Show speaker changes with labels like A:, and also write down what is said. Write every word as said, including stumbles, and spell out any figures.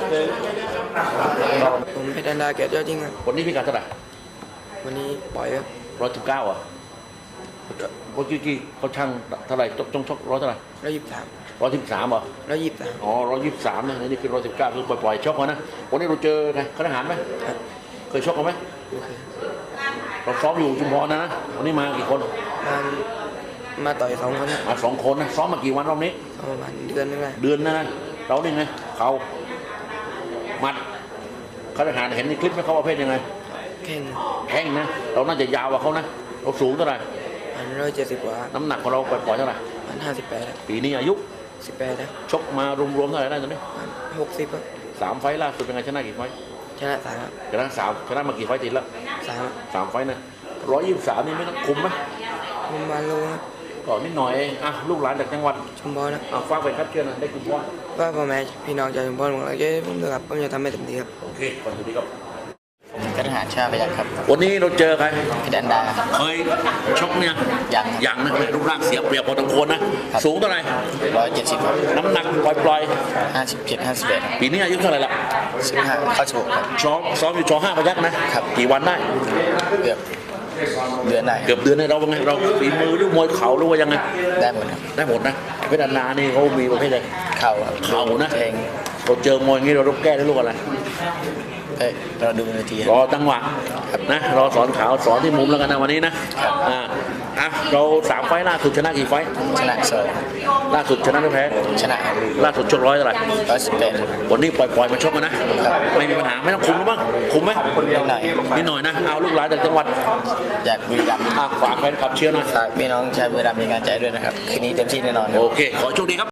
A: ผมเพชรอันดาเกียรติยอดยิ่งครับ
B: วันนี้พี่กัดเท่าไหร่
A: วันนี้ปล่อยครับ
B: ร้อยสิบเก้าอ่ะเมื่อกี้เขาช่างเท่าไหร่จงชกร้อยเท่าไหร่
A: ร้อยยี่สิบสาม
B: ร้อยสิบสามเหรอ
A: ร้อยยี่สิบสาม
B: อ๋อร้อยยี่สิบสามนะนี่คือร้อยสิบเก้าคือปล่อยๆชกมานะวันนี้เราเจอไงเขาทหารไหมเคยชกกันไหมเราซ้อมอยู่ชุมพรนะนะวันนี้มากี่คน
A: มามาต่อยสองคน
B: มาสองคนนะซ้อมมากี่วันรอบนี้
A: ประมาณเดือนนึงไง
B: เดือนนะนะเราเนี่ยไงเขาหมัดเขาทหารเห็นในคลิปไหมเขาประเภทยังไง
A: แข่ง
B: แข่งนะเราน่าจะยาวกว่าเขานะเราสูงเท่าไหร่
A: อันร้อยเจ็ดสิบกว่า
B: น้ำหนักของเราปล่อยๆเท่าไหร่
A: อันห้าสิบแปด
B: ปีนี้อายุ
A: สิบแปดนะ
B: ชกมารวมๆเท่าไหร่ได้ตอนนี้
A: หกสิบครับ
B: สามไฟล่าสุดเป็นไงชนะกี่ไฟ
A: ชนะสาม
B: ชนะสามชนะมากี่ไฟติดแล้ว
A: สาม
B: สามไฟนะร้อยยี่สิบสามนี่ไม่ต้องคุมไหม
A: คุมมาโลครับ
B: ก่อนนิดหน่อยเองอ่ะลูกหลานจากจังหวัด
A: ชุมพรนะ
B: อ่ะฟังไปครับเชื่อนะได้คุณพ่อ
A: ว่าพ่อแม่พี่น้องจากชุมพรของเราเยอะผมด้วยครับผมจะทำให้เต็มที่ครับ
B: โอเคขอบคุณครับ
C: ผมกระหาชาไปยังครับ
B: วันนี้เราเจอใคร
C: พี่ดันดา
B: เคยชกเนี่ย
C: ยัง
B: ยังนะรูปร่างเสียเปรียบพอสมควรนะสูงเท่าไหร่
C: ร้อยเจ็ดสิบ
B: น้ำหนักปล่อย
C: ๆห้าสิบเจ็ดห้าสิบแปด
B: ปีนี้อายุเท่าไหร่ละ
C: สิบห้าเข้าโชว์ครับ
B: ซ้อมซ้อมอยู่ชอห้าพยักนะครับกี่วันได้
C: เกือบเดือนได้
B: เกือบเดือนในเราเป็นไงเราฝีมือหรือมวยเข่าหรือว่ายังไง
C: ได้หมดครับ
B: ได้หมดนะเพชรนานี่เขามีประเภทอะไร
C: เข่า
B: เข่านะ
C: เอง
B: เราเจอมวยอย่างนี้เราต้องแก้ด้วยลูกอะไร
C: เอ้ยเราดูนาที
B: รอจังหวะนะรอสอนขาวสอนที่มุมแล้วกันนะวันนี้นะอ่าอ่ะเราสามไฟล่าสุดชนะกี่ไฟ
C: ชนะสอง
B: ล่าสุดชนะหรือแพ้
C: ชนะ
B: ล่าสุดชกร้อยเท่าไหร่
C: ร้อยสิบแปด
B: วันนี้ปล่อยปล่อยมาชกกันนะไม่มีปัญหาไม่ต้องคุมหรือบ้างคุมไหม
C: นิดหน่อย
B: นิดหน่อยนะเอาลูกหลานจากจังหวัด
C: อยากบุรีรัมย์
B: ฝากแฟนคลับเชียร์หน่อย
C: ฝากพี่น้องชาวบุรีรัมย์มีการใจด้วยนะครับคืนนี้เต็มที่แน่นอน
B: โอเคขอโชคดีครับ